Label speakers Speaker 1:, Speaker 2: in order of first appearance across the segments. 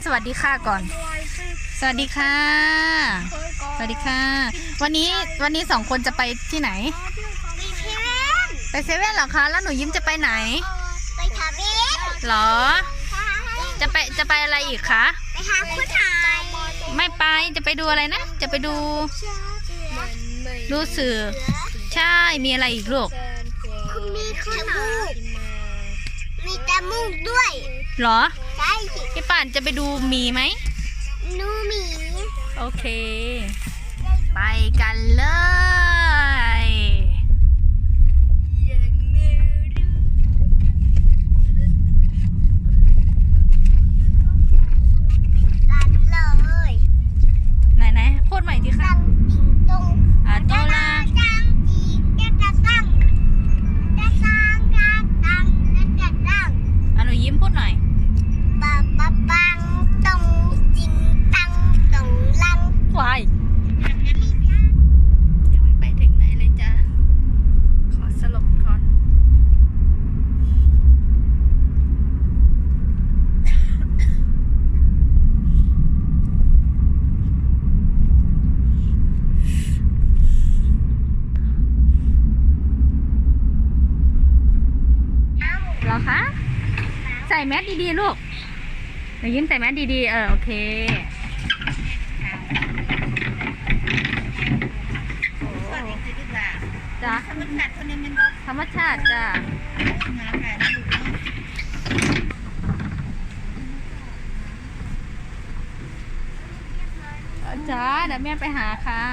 Speaker 1: สวัสดีค่ะก่อนสวัสดีค่ะสวัสดีค่ะวันนี้2 คนจะไปที่ไหนไปเซเว่นเหรอคะแล้วหนูยิ้มจะไปไหน
Speaker 2: ไปทาเบ็ด
Speaker 1: หรอจะไปอะไรอีกคะ
Speaker 2: ไปหาผู้ชาย
Speaker 1: ไม่ไปจะไปดูอะไรนะจะไปดูสื่อใช่มีอะไรอีกลูก
Speaker 2: มีขนมมีตะมูกด้วย
Speaker 1: หรอ
Speaker 2: ใช่
Speaker 1: พี่ป่านจะไปดูมีไหม
Speaker 2: นูมี
Speaker 1: โอเคไปกันเลย
Speaker 2: เลย
Speaker 1: ไหนพูดใหม่ดิค่ะ
Speaker 2: ตรง
Speaker 1: โตลา
Speaker 2: จังจีจะตั้งจะสร้างจะตั้งจะตั้ง
Speaker 1: หนูยิ้มพูดหน่อย
Speaker 2: ปะปะปังตรงจริงตั้งตรงลัง
Speaker 1: วายยังไม่ไปถึงไหนเลยจ้ะขอสลบก่อนเหรอคะใส่แมสดีๆลูกหนูยิ้มใส่แมสดีๆโอเคจ้ะธรรมชาติจ้ะจ้าเดี๋ยวแม่ไปหาค่ะ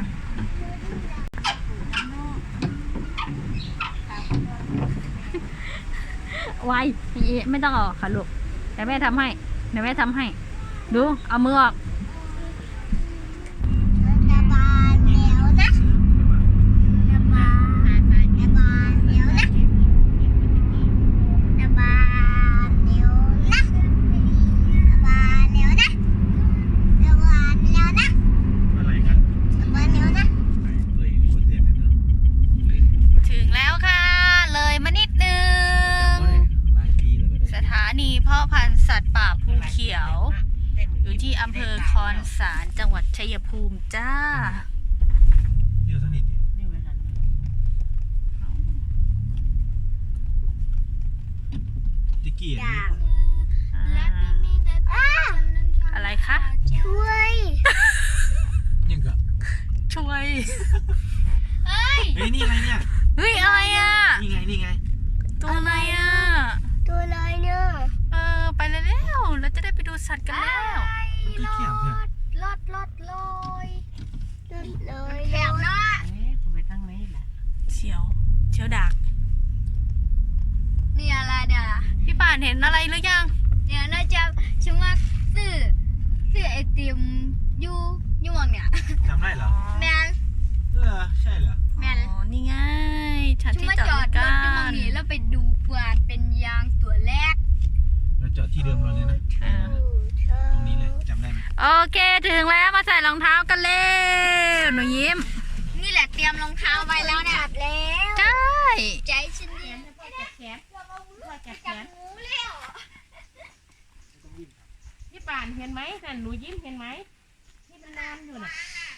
Speaker 1: ไวไม่ต้องออกค่ะลูกเดี๋ยวแม่ทำให้ดูเอามือออก
Speaker 2: จะบานเดี๋ยวนะจะบานเดี๋ยวนะจะบานเดี๋ยวนะจะบานเดี๋ยวนะจะบานเดี๋ยวนะ
Speaker 3: อะไรกัน
Speaker 2: จะบานเดี๋ยวนะ
Speaker 1: ถึงแล้วค่ะเลยมานิดนึงสถานีเพาะพันธุ์สัตว์ป่าภูเขียวอยู่ที่อำเภอคอนสารจังหวัดชัยภูมิจ้า
Speaker 3: เดี๋ยวสนิทดิกี้
Speaker 1: อะไรคะ
Speaker 2: ช่วย
Speaker 3: ยังกะ
Speaker 1: ช่วย
Speaker 3: เฮ้ยนี่อะไรเนี่ย
Speaker 1: เฮ้ยอะไรอ่ะ
Speaker 3: นี่ไง
Speaker 1: ตัวอะไรอ่ะ
Speaker 2: ตัวอะไรเนี่ย
Speaker 1: ไปแล้วเราจะได้ไปดูสัตว์กันแล้ว
Speaker 3: มันก็เขียบเถอะ
Speaker 2: ลอยเลยแถวหน้า
Speaker 4: ไปทางไหนล่ะ
Speaker 1: เชียวดัก
Speaker 2: นี่อะไรเดี๋ยว
Speaker 1: พี่ป่านเห็นอะไรหรือยัง
Speaker 2: เนี่ยน่าจะชิมว่าซื้อไอติมยูมองเนี่ย
Speaker 3: จำได้เหรอ
Speaker 2: แมน
Speaker 3: ใช่เหรอ
Speaker 2: แมน
Speaker 1: นี่ไงฉันที่จอด
Speaker 2: รถยูมองนี่แล้วไปดูเพื่อนเป็นยางตัวแรก
Speaker 3: เราจอดที่เดิมเราเลยนะตรงนี้เลยจำได้ไหม
Speaker 1: โอเคถึงแล้วมาใส่รองเท้ากันเร็วหนูยิ้ม
Speaker 2: นี่แหละเตรียมรองเท้าไว้แล้วเนี่ย
Speaker 1: ใช่
Speaker 2: ใจฉันเย็น
Speaker 4: พี่ป่านเห็นไหมนั่นหนูยิ้มเห็นไหมที่มันนอนอยู่น่ะ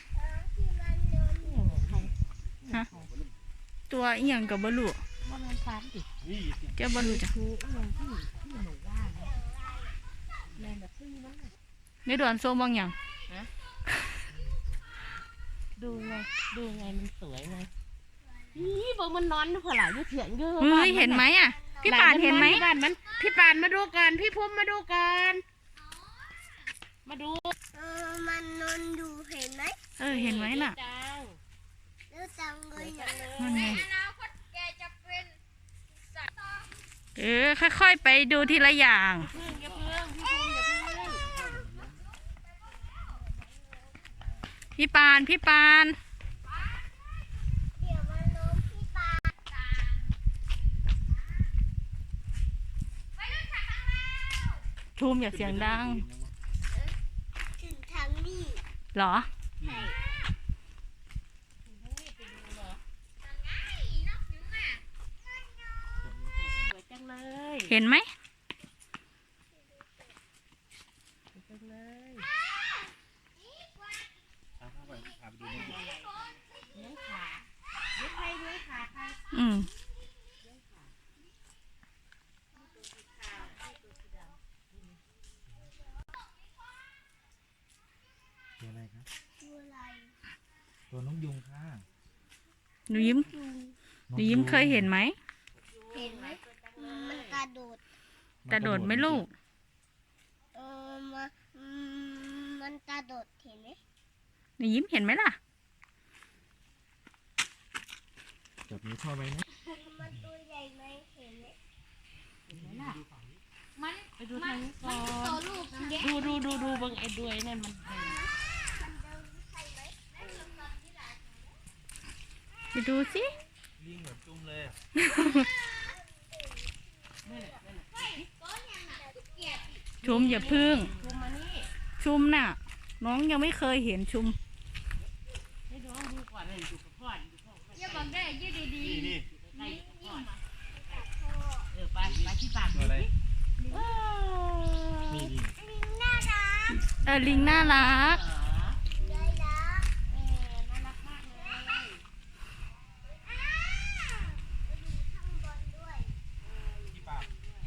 Speaker 1: ตัวอีหยังกับบลู
Speaker 4: มันนอนฟันดิ
Speaker 1: เจ้าบลูจ้ะในด่วนโซมบางอย่าง
Speaker 4: ดูไงมันสวยไงบอกมันนอนพอหลายยุ่เถียงเยอะ
Speaker 1: เห็นไหมอ่ะพี่ป่านเห็นไหม
Speaker 4: บ้านมันพี่ป่านมาดูกันพี่พุ่มมาดูกันมาดู
Speaker 2: มันนอนดูเห็นไหม
Speaker 1: เห็นไหมน่ะ
Speaker 2: แล้วจังเลย
Speaker 1: นั่นไงค่อยๆไปดูทีละอย่างพี่ปานทูมอย่าเสียงดัง
Speaker 2: ถึงทางนี้
Speaker 1: หรอเห็นไหม
Speaker 4: เลย
Speaker 3: พาไปดูนกยุง
Speaker 4: เลี้ยงขาเลี้ยงใครเลี้ยงขาใคร
Speaker 1: อืม
Speaker 3: ตัวอะไรครับ
Speaker 2: ตัวอะไร
Speaker 3: ตัวนกยุงค่ะ
Speaker 1: หนูยิ้มเคยเห็นไหม
Speaker 2: เห็นไหมมันกระโดด
Speaker 1: กระโดดไหมลูก
Speaker 2: มันกระโดดเห็นไหม
Speaker 1: หนูยิ้มเห็นไหมล่ะ
Speaker 3: จับมือพ่อไว้นะ
Speaker 2: มันตัวใหญ่ไหมเห็นไหม
Speaker 4: ไปดูทางนี้ก่อน
Speaker 2: ตัวลูกเด็ก
Speaker 4: ดูเบังไอ้ด้วยนั่นมัน
Speaker 1: ไปดูสิ
Speaker 3: ลิงแบบจุ่มเลยอะ
Speaker 1: ชุมอย่าพึ่ง
Speaker 4: ดูมานี่
Speaker 1: ชุมน่ะ น้องยังไม่เคยเห็นชุม
Speaker 4: ให้ดูดูก่อนเลยดูกับพ่อดูพ่อ
Speaker 2: อย่าบอกได้ยืดดี
Speaker 3: นี่
Speaker 4: ใกล้กับพ่อไปที่ปาก
Speaker 3: ตัวอะไร
Speaker 4: เออ
Speaker 3: นี่
Speaker 2: ๆน่ารัก
Speaker 1: ลิงน่ารัก
Speaker 2: น่ารัก
Speaker 4: น่ารักมากเลย
Speaker 2: ข้างบนด้วย
Speaker 3: ที่ปาก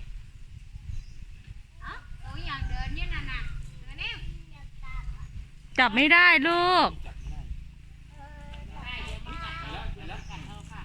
Speaker 2: ตัวอย่างเดินเนี่ยน่ะตัวนี้
Speaker 1: จับไม่ได้ลูก
Speaker 3: จับไม่ได้
Speaker 4: ได้เดี๋ยวมันกัดเอาค่ะ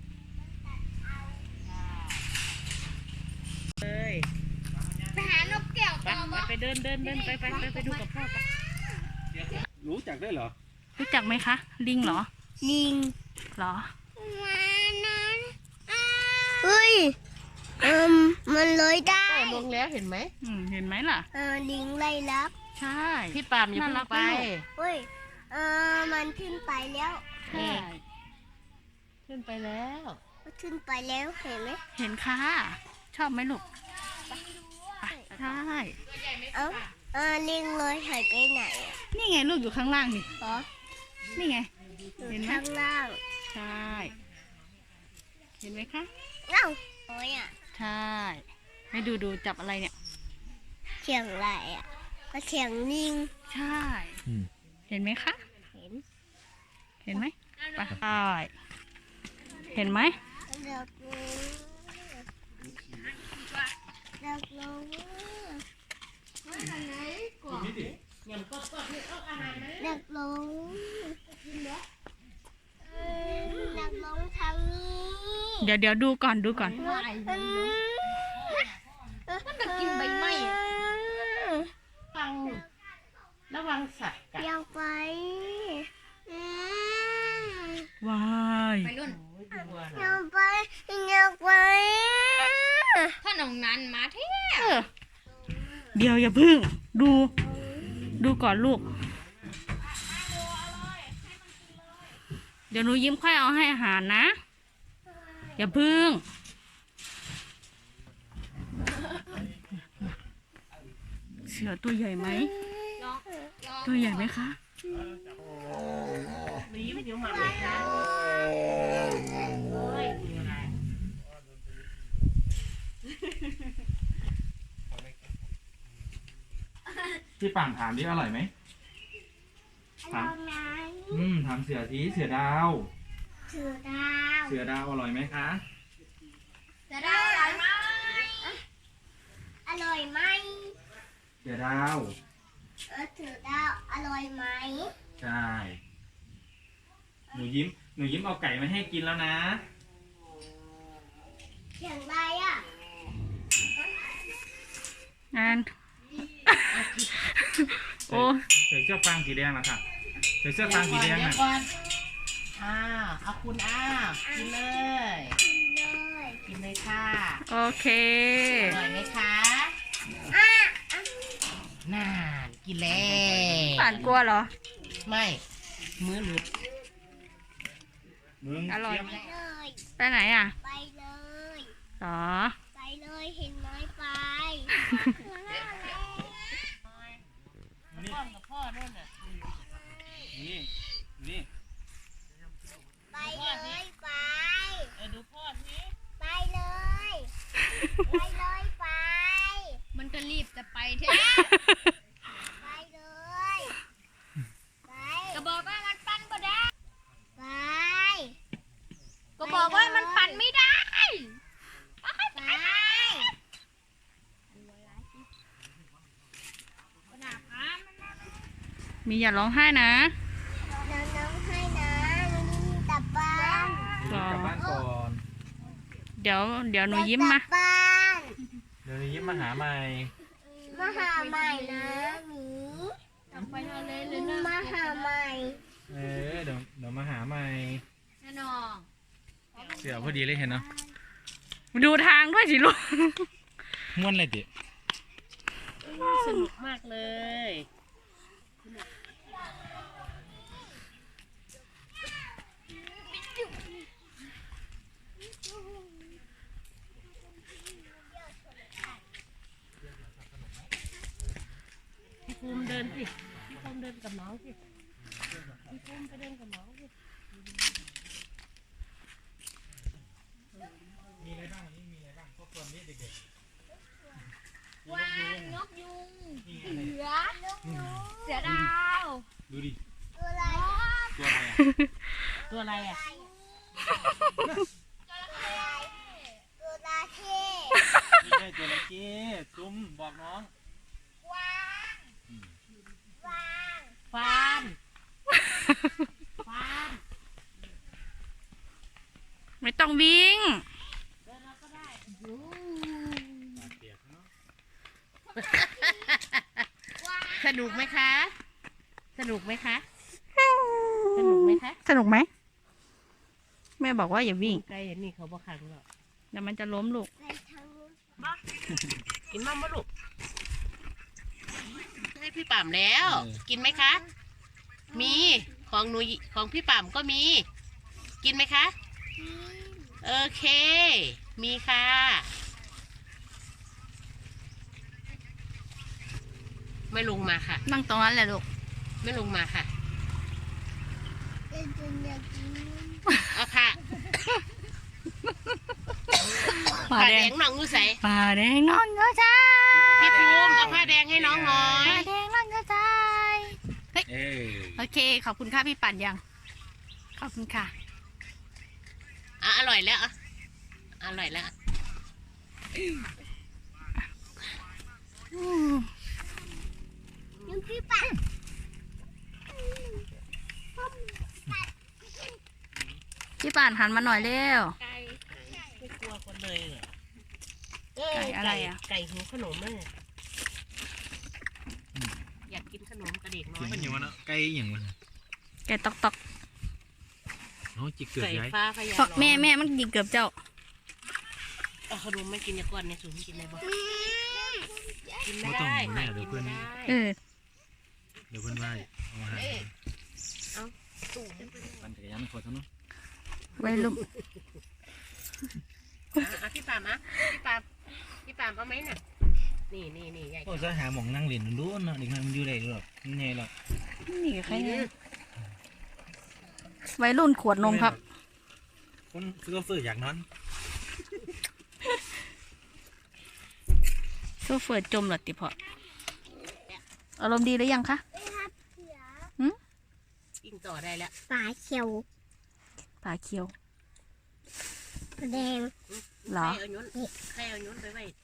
Speaker 4: เลย
Speaker 2: ไปหานกแก้วต่อมั้
Speaker 4: ไปเดินไปดูกับพ่อไป
Speaker 3: รู้จักได้เหรอ
Speaker 1: รู้จักไหมคะ ลิงเหรอ
Speaker 2: ลิง
Speaker 1: เหรอ
Speaker 2: มานั้นเฮ้ยมันเลยได้
Speaker 4: ลงแล้วเห็นไหม
Speaker 1: เห็นไหมล่ะ
Speaker 2: ลิงไล่ลัก
Speaker 1: ใช่
Speaker 4: พี่ปามอย่าเพิ่งไป
Speaker 2: เฮ้ยมันขึ้นไปแล้ว
Speaker 1: ใช่
Speaker 4: ขึ้นไปแล้ว
Speaker 2: มันขึ้นไปแล้วเห็นไหม
Speaker 1: เห็นค่ะ ชอบไหมลูกไปใช่
Speaker 2: ลิงเลยหายไปไหนอ่ะ
Speaker 1: นี่ไงลูกอยู่ข้างล่างนี่
Speaker 2: อ๋อ
Speaker 1: นี่ไง เห็นไหม
Speaker 2: ข้างล่าง
Speaker 1: ใช่ เห็นไหมคะ
Speaker 2: เอ้าโอ้ยอ่ะ
Speaker 1: ใช่ให้ดูจับอะไรเนี่ย
Speaker 2: เสียงอะไรอ่ะก็เสียงลิง
Speaker 1: ใช่
Speaker 3: อืม
Speaker 1: เห็นไหมคะ
Speaker 2: เห็น
Speaker 1: เห็นไหมไปใช่เห็นไหม
Speaker 2: เด็กลงเด็กลงไหนก่อน
Speaker 3: นี่ดิ
Speaker 2: เด็กลงเด็กลงทางนี้
Speaker 1: เดี๋ยวดูก่อน
Speaker 2: มันจะกินใบไม้
Speaker 4: ระวังสัตว์กัด
Speaker 2: อยากไป
Speaker 1: ว้าย
Speaker 2: อยากไปอยากไป
Speaker 5: ถ้าน้องนั้นมาเท่
Speaker 1: เดี๋ยวอย่าพึ่ง ดูก่อนลูก เดี๋ยวหนูยิ้มค่อยเอาให้อาหารนะ อย่าพึ่ง เสือตัวใหญ่ไหม ตัวใหญ่ไหมคะ
Speaker 4: มีมันอยู่หมาเลยนะโอ้ยดูอะไร
Speaker 3: ที่ป่างถามดิอร่อยไหม
Speaker 2: ลองไหน
Speaker 3: ถามเสือทีเสือดาว
Speaker 2: เสือดาว
Speaker 3: เสือดาวอร่อยไหมคะ
Speaker 2: เสือดาวอร่อยไหมอร่อยไหม
Speaker 3: เสือดาว
Speaker 2: เสือดาวอร่อยไหม
Speaker 3: ใช่ หนูยิ้มเอาไก่มาให้กินแล้วนะ
Speaker 2: เสียงอะไรอ่ะ
Speaker 1: งาน โอ้
Speaker 3: ใส่เสื้อฟางสีแดงนะคะใส่เสื้อฟางสีแดง
Speaker 4: เดี๋ย
Speaker 3: น่ะ
Speaker 4: วก่อนเอาคุณกินเลย
Speaker 2: เลย
Speaker 4: กินเลยค่ะ
Speaker 1: โอเค
Speaker 4: อร่อยไหมคะ
Speaker 2: อ่ะ
Speaker 4: น่ากินแล้ว
Speaker 1: ป่านกลัวเหรอ
Speaker 4: ไม่มือหลุด
Speaker 3: มึง
Speaker 1: อร่อย
Speaker 2: ไปเลย ไป
Speaker 1: ไปไหนอ่ะ
Speaker 2: เลย
Speaker 1: หรอ
Speaker 2: ไปเลยเห็นไหมไป
Speaker 4: พ่อกับพ่อด้วยน่ะ
Speaker 3: นี่
Speaker 2: ไปเลยไป
Speaker 4: ดูพ่อสิ
Speaker 2: ไปเลยไปเลยไป
Speaker 5: มันก็รีบจะไปเท่
Speaker 2: ไป
Speaker 1: มีอย่าร้องไห้นะ
Speaker 2: น้องให้นะมีกลับบ้าน
Speaker 3: กลับบ้านก่อน
Speaker 1: เดี๋ยวหนูยิ้มมา
Speaker 2: กลับบ้าน
Speaker 3: เดี๋ยวยิ้มมาหาใหม่
Speaker 2: มาหาใหม่นะหมี
Speaker 5: ไปทะเลเลยนะ
Speaker 2: มาหาใหม่
Speaker 3: เดี๋ยวมาหาใหม่
Speaker 5: แน่นอน
Speaker 3: เสือพอดีเลยเห็นเนาะ
Speaker 1: ดูทางด้วยสิลูก
Speaker 3: ม้วนเลยดิ
Speaker 4: สนุกมากเลย พี่ภูมิเดินสิพี่ภูมิเดินกับน้องสิพี่ภูมิไปเดินกับน้องสิ
Speaker 3: มีอะไรบ้างวันนี้มีอะไรบ้างพวกคนนี้เด็ก
Speaker 5: วางนกยุง
Speaker 3: ๆนี่
Speaker 5: เสือดาว
Speaker 3: ดูดิ
Speaker 2: ตัวอะไร
Speaker 3: ตัวอะไรอ่ะ
Speaker 4: ตัวอะไรอ่ะ
Speaker 2: ตัวราเข้
Speaker 3: ไม่ใช่ตัวอะไรเจ๊ซุ้มบอกน้อง
Speaker 2: วางวาง
Speaker 4: ฟานฟาน
Speaker 1: ไม่ต้องวิ่ง
Speaker 4: เดินเราก็ได้
Speaker 3: เปียกเนาะ
Speaker 4: สนุกไหมคะ สนุกไหมคะ สนุกไหมคะ
Speaker 1: สนุกไหม แม่บอกว่าอย่าวิ่ง
Speaker 4: ไกลอย่างนี้เขาบอกขังหรอก
Speaker 1: เดี๋ยวมันจะล้มลูก
Speaker 2: ไปทางนู้น
Speaker 4: กินมั่งมะลูกให้พี่ป่ามแล้ว กินไหมคะ มีของหนูของพี่ป่ามก็มี กินไหมคะ โอเค มีค่ะ ไม่ลงมาค่ะ
Speaker 1: นั่งตรงนั้นแหละลูก
Speaker 4: ไม่ลงมาค่ะ
Speaker 2: เดินจนอยากกิน
Speaker 4: เอาค่ะ
Speaker 1: ผ้า
Speaker 4: ผ้า
Speaker 1: แด
Speaker 4: แด
Speaker 1: ง
Speaker 4: งน้องงูใส
Speaker 1: ผ้าแดงนอนก็ใจ
Speaker 4: พี่ภูมิเอาผ้าแดงให้น้องหน่อย
Speaker 1: ผ้าแดงนอนก็ใจ โอเค ขอบคุณค่ะพี่ปั่นยัง ขอบคุณค่ะ
Speaker 4: อ่ะอร่อยแล้วอ่ะอร่อยแล้ว
Speaker 2: ยังพี่ปั่น
Speaker 1: พี่ปั่นหันมาหน่อยเร็ว
Speaker 4: ไก่ไม่กลัวคนเลยเหรอ
Speaker 1: ไก่อะไรอ่ะ
Speaker 4: ไก่หิวขนมแม่อยากกินขนมกระเด็กน้อ
Speaker 3: กิน
Speaker 4: ย
Speaker 3: มันอย่างวะเนาะไก่อย่างวะ
Speaker 1: แกตอกตอก
Speaker 3: น้องจิกเกือบ
Speaker 4: ไก่
Speaker 3: ย้าย
Speaker 4: ฟ้าพญา
Speaker 1: ฟักแม่มันยิงเกือบเจ้า
Speaker 4: เอาขนมไม่กินอย่าก่อนในสูงกินอะไรบ่กินไม่
Speaker 3: ไม่ต้อง
Speaker 4: ได้
Speaker 3: แม่เดี๋ยวเพื่อน
Speaker 4: กินไม่ได้
Speaker 1: เออ
Speaker 3: เดี๋ยวเพื่อนว่าเอามาหา
Speaker 4: ตู้
Speaker 3: ปั่นจักรยานคนเท่านั้น
Speaker 1: ไว้ลูก
Speaker 4: อ่ะพี่ปามอ่ะพี่ปามเอาไหมน่ะนี่ใหญ่
Speaker 3: โอ้จะหาหมองนั่งเล่นดูเนาะเด็กน้อยมันอยู่ได้หรอกนี่ไงหรอก
Speaker 1: นี่ใครเนี่ยวัยรุ่นขวดนมครับ
Speaker 3: คนซื้อเฟื่ออยากนอน
Speaker 1: โซเฟอร์จมเหรอติพออารมณ์ดีหรือยังคะ
Speaker 4: ยิงต่อได้แล้ว
Speaker 2: ปลาเขียว
Speaker 1: ปลาเคียว
Speaker 2: แดง
Speaker 1: เหรอ
Speaker 4: ใครเอาย้นไปไว้